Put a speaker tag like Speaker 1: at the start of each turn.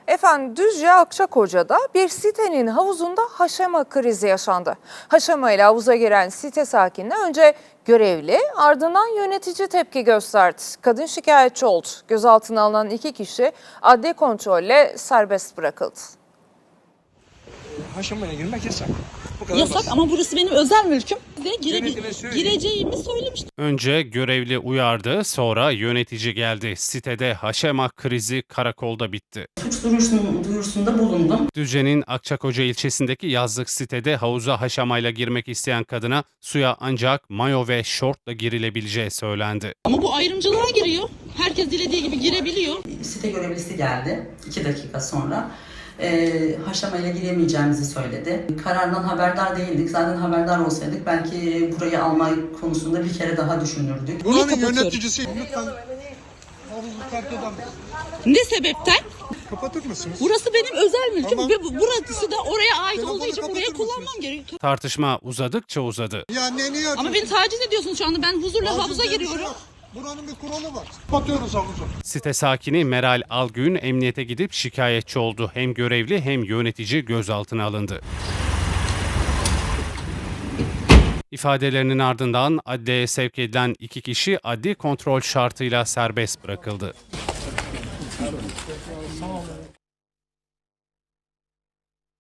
Speaker 1: Efendim Düzce Akçakoca'da bir sitenin havuzunda haşema krizi yaşandı. Haşema ile havuza giren site sakinine önce görevli ardından yönetici tepki gösterdi. Kadın şikayetçi oldu. Gözaltına alınan 2 kişi adli kontrolle serbest bırakıldı.
Speaker 2: Haşamaya girmek yasak. Bu kadar
Speaker 3: Yasak
Speaker 2: basit.
Speaker 3: ama burası benim özel mülküm. Ve
Speaker 2: Yönetime söyleyin.
Speaker 3: gireceğimi söylemiştim.
Speaker 4: Önce görevli uyardı, sonra yönetici geldi. Sitede haşema krizi karakolda bitti.
Speaker 3: Suç duyurusunda bulundum.
Speaker 4: Düzce'nin Akçakoca ilçesindeki yazlık sitede havuza haşamayla girmek isteyen kadına suya ancak mayo ve şortla girilebileceği söylendi.
Speaker 3: Ama bu ayrımcılığa giriyor. Herkes dilediği gibi girebiliyor.
Speaker 5: Site görevlisi geldi 2 dakika sonra. Haşamayla giremeyeceğimizi söyledi. Karardan haberdar değildik. Zaten haberdar olsaydık belki burayı alma konusunda bir kere daha düşünürdük.
Speaker 6: Buranın
Speaker 3: kapatıyorum?
Speaker 6: yöneticisi lütfen havuzu terk eder misiniz?
Speaker 3: Ne sebepten?
Speaker 6: Kapatır mısınız?
Speaker 3: Burası benim özel mülküm
Speaker 6: Tamam.
Speaker 3: ve burası da oraya ait
Speaker 6: Telefonu
Speaker 3: olduğu için buraya
Speaker 6: kapatır
Speaker 3: kullanmam
Speaker 6: mısınız?
Speaker 3: gerekiyor.
Speaker 4: Tartışma uzadıkça uzadı.
Speaker 6: Ya niye
Speaker 3: Ama
Speaker 6: yapıyorsunuz?
Speaker 3: beni taciz ediyorsunuz şu anda. Ben huzurla
Speaker 6: Taciz
Speaker 3: havuza
Speaker 6: diye bir şey
Speaker 3: giriyorum.
Speaker 6: yok. Buranın bir kuralı var. Kapatıyoruz havuzu.
Speaker 4: Site sakini Meral Algün emniyete gidip şikayetçi oldu. Hem görevli hem yönetici gözaltına alındı. İfadelerinin ardından adliyeye sevk edilen 2 kişi adli kontrol şartıyla serbest bırakıldı.